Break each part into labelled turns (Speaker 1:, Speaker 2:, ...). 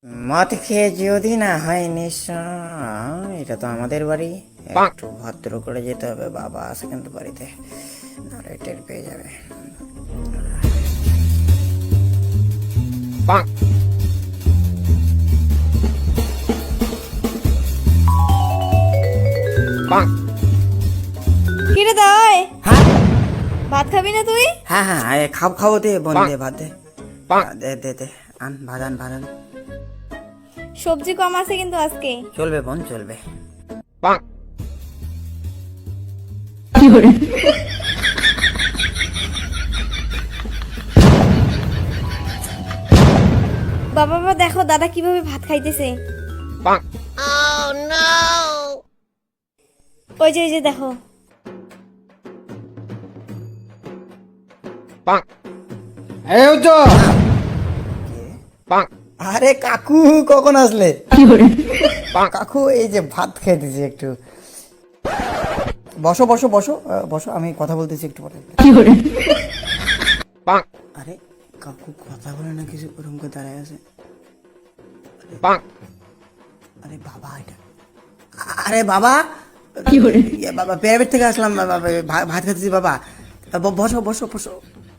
Speaker 1: মদ খেয়ে যদি না হয় নিঃস্ব, এটা তো আমাদের বাড়ি, একটু ভদ্র করে যেতে হবে। বাবা আছে কিন্তু বাড়িতে, নাহলে টের পেয়ে যাবে।
Speaker 2: কিরে দই,
Speaker 1: হ্যাঁ
Speaker 2: ভাত খাবি না তুই?
Speaker 1: হ্যাঁ হ্যাঁ, খাও খাও, দে বোন, দে ভাত দে, দে দে দে, আন ভাত, আন ভাত আন।
Speaker 2: সবজি কম আছে কিন্তু আজকে।
Speaker 1: চলবে বোন, চলবে।
Speaker 2: বাবা বাবা দেখো দাদা কিভাবে ভাত খাইতেছে। ওই যে দেখো।
Speaker 1: আরে কাকু, কখন আসলে? কাকু এই যে ভাত খাইতেছি একটু। বসো বসো বসো বসো, আমি কথা বলতেছি একটু পরে। আরে কাকু কথা বলে না কিছু, ওরকম করে দাঁড়ায় আছে। আরে বাবা, এটা আরে বাবা, বাবা প্রাইভেট থেকে আসলাম, ভাত খাইতেছি বাবা। বসো বসো বসো।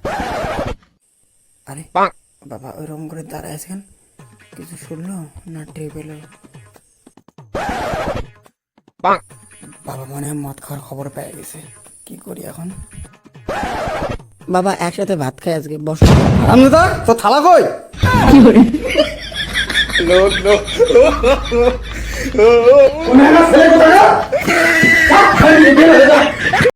Speaker 1: আরে বাবা ওইরকম করে দাঁড়ায় আছেন, কিছু শুনলো না টের পেলো? বাবা মনে হয় মদ খাওয়ার খবর পেয়ে গেছে, কি করি এখন? বাবা একসাথে ভাত খাই আজকে, বসো।
Speaker 3: আমনুদা তো থালা কই? ছেলে কোথায়?